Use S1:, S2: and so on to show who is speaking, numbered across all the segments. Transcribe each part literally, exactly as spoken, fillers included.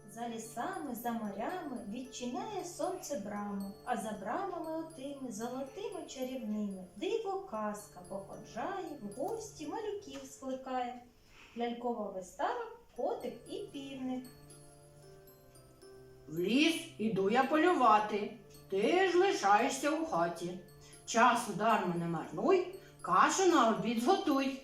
S1: За лісами, за морями відчиняє сонце браму, а за брамами отими золотими чарівними диво казка походжає, в гості малюків скликає. Лялькова вистава «Котик і півник».
S2: В ліс іду я полювати, ти ж лишаєшся у хаті. Часу дарма не марнуй, кашу на обід зготуй.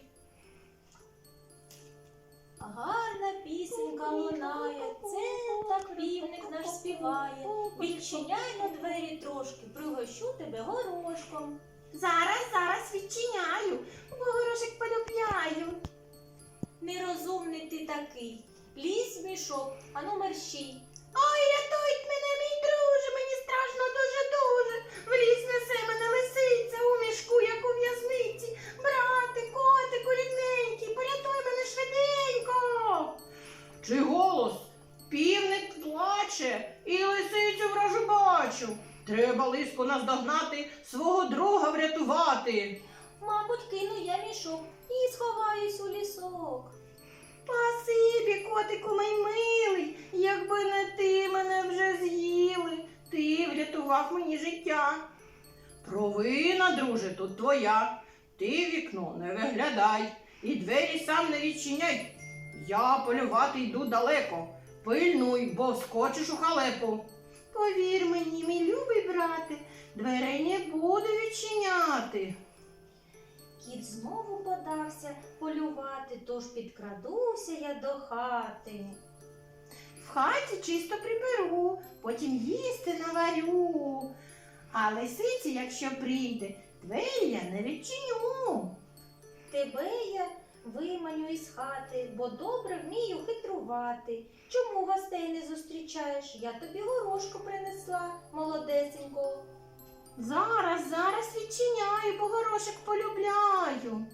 S1: Гарна пісенька лунає, це так півник наш співає. Відчиняй на двері трошки, пригощу тебе горошком.
S2: Зараз, зараз відчиняю, бо горошик полюбляю.
S1: Нерозумний ти такий, лізь в мішок, ану мерщій.
S2: Ой, рятують мене, мій друже, мені страшно дуже-дуже. В ліс несе мене лисиця, у мішку, як у в'язниці. Брате, котику рідненький, порятуй мене швиденько. Чи голос? Півник плаче і лисицю вражу бачу. Треба лиску наздогнати, свого друга врятувати.
S1: Мабуть, кину я мішок і сховаюсь у лісок.
S2: Спасибі, котику мій милий, якби не ти, мене вже з'їли. Ти врятував мені життя. Провина, друже, тут твоя. Ти в вікно не виглядай і двері сам не відчиняй. Я полювати йду далеко. Пильнуй, бо вскочиш у халепу. Повір мені, мій любий брате, дверей не буду відчиняти.
S1: Кіт знову подався полювати, тож підкрадуся я до хати.
S2: В хаті чисто приберу, потім їсти наварю. А лисиці, якщо прийде, двері я не відчиню.
S1: Тебе я виманю із хати, бо добре вмію хитрувати. Чому гостей не зустрічаєш? Я тобі горошку принесла, молодесенького.
S2: Зараз, зараз відчиняю, бо горошик полюбляю.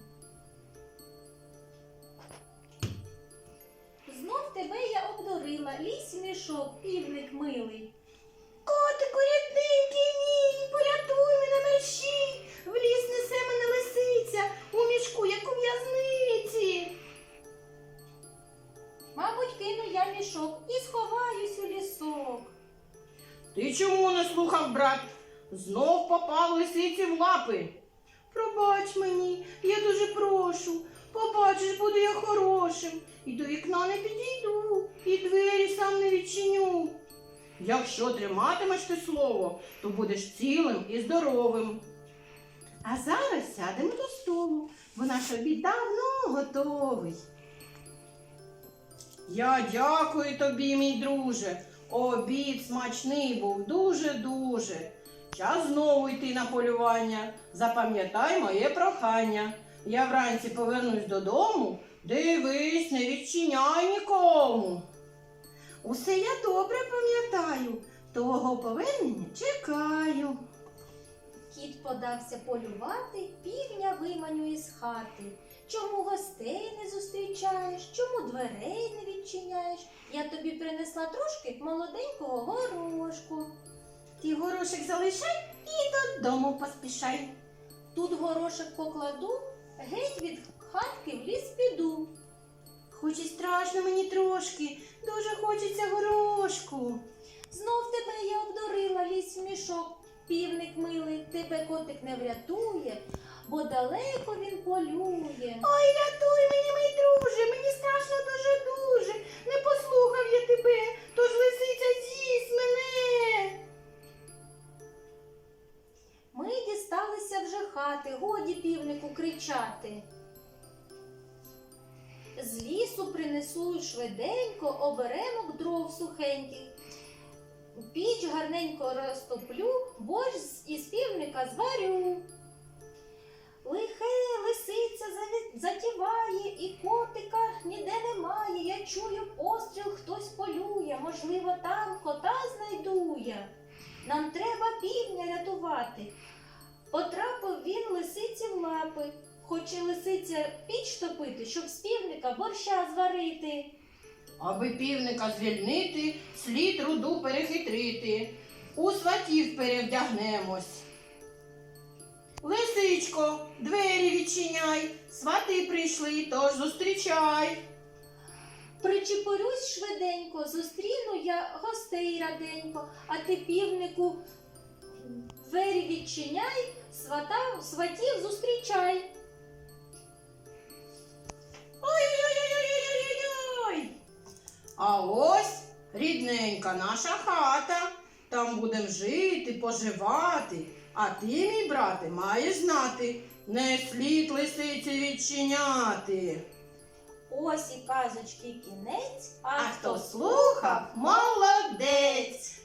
S1: Знов тебе я обдурила, лізь в мішок, півник милий.
S2: Котику рідненький мій, порятуй мене мерщій. В ліс несе мене лисиця, у мішку, як у в'язниці.
S1: Мабуть, кину я мішок і сховаюсь у лісок.
S2: Ти чому не слухав, брат? Знов попав лисиці в лапи. Пробач мені, я дуже прошу. Побачиш, буду я хорошим. І до вікна не підійду, і двері сам не відчиню. Якщо триматимеш ти слово, то будеш цілим і здоровим. А зараз сядемо до столу, бо наш обід давно готовий. Я дякую тобі, мій друже. Обід смачний був дуже-дуже. Час знову йти на полювання. Запам'ятай моє прохання. Я вранці повернусь додому, дивись, не відчиняй нікому. Усе я добре пам'ятаю, твого повернення чекаю.
S1: Кіт подався полювати, півня виманю із хати. Чому гостей не зустрічаєш? Чому дверей не відчиняєш? Я тобі принесла трошки молоденького горошку.
S2: Ти горошик залишай і додому поспішай.
S1: Тут горошок покладу, геть від хатки в ліс піду.
S2: Хоч і страшно мені трошки, дуже хочеться горошку.
S1: Знов тебе я обдурила, лізь в мішок. Півник милий, тебе котик не врятує, бо далеко він полює.
S2: Ой, рятуй мені, мій друже, мені страшно дуже-дуже. Не послухав я тебе, тож лисиця з'їсть мене.
S1: Ми дісталися вже хати, годі півнику кричати. З лісу принесу швиденько оберемок дров сухеньких. Піч гарненько розтоплю, борщ із півника зварю. Лихе лисиця затіває, і котика ніде немає. Я чую постріл, хтось полює, можливо, там кота знайду я. Нам треба півня рятувати. Потрапив він лисиці в лапи. Хоче лисиця піч топити, щоб з півника борща зварити.
S2: Аби півника звільнити, слід руду перехитрити. У сватів перевдягнемось. Лисичко, двері відчиняй, свати прийшли, тож зустрічай.
S1: Причепорюсь швиденько, зустріну я гостей раденько, а ти, півнику, двері відчиняй, свата, сватів зустрічай.
S2: Ой-ой-ой-ой-ой-ой-ой! А ось рідненька наша хата. Там будем жити, поживати. А ти, мій брате, маєш знати, не слід лисиці відчиняти.
S1: Ось і казочки кінець,
S2: А хто слухав, молодець!